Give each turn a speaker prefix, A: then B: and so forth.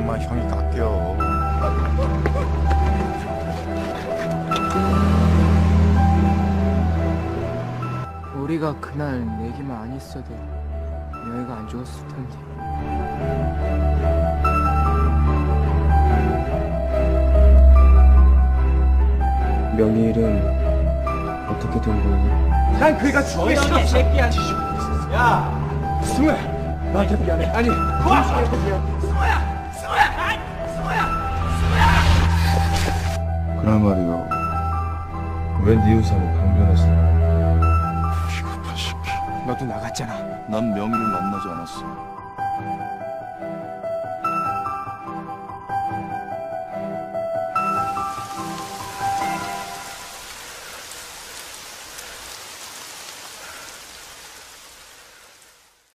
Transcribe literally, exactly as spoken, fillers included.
A: 그만 형이 깎여.
B: 우리가 그날 내기만 안 했어도 여애가 안 죽었을 텐데. 명일은 어떻게 된 거니?
C: 난 그이가 죽기 싫어. 새끼야. 야, 승우야, 나한테 미안해. 아니, 승우야, 승우야, 승우야, 승우야, 승우야.
A: 그날 말이요. 왜 네 의사는 강변했어? 비겁한 새끼.
C: 너도 나갔잖아.
A: 난 명의를 만나지 않았어.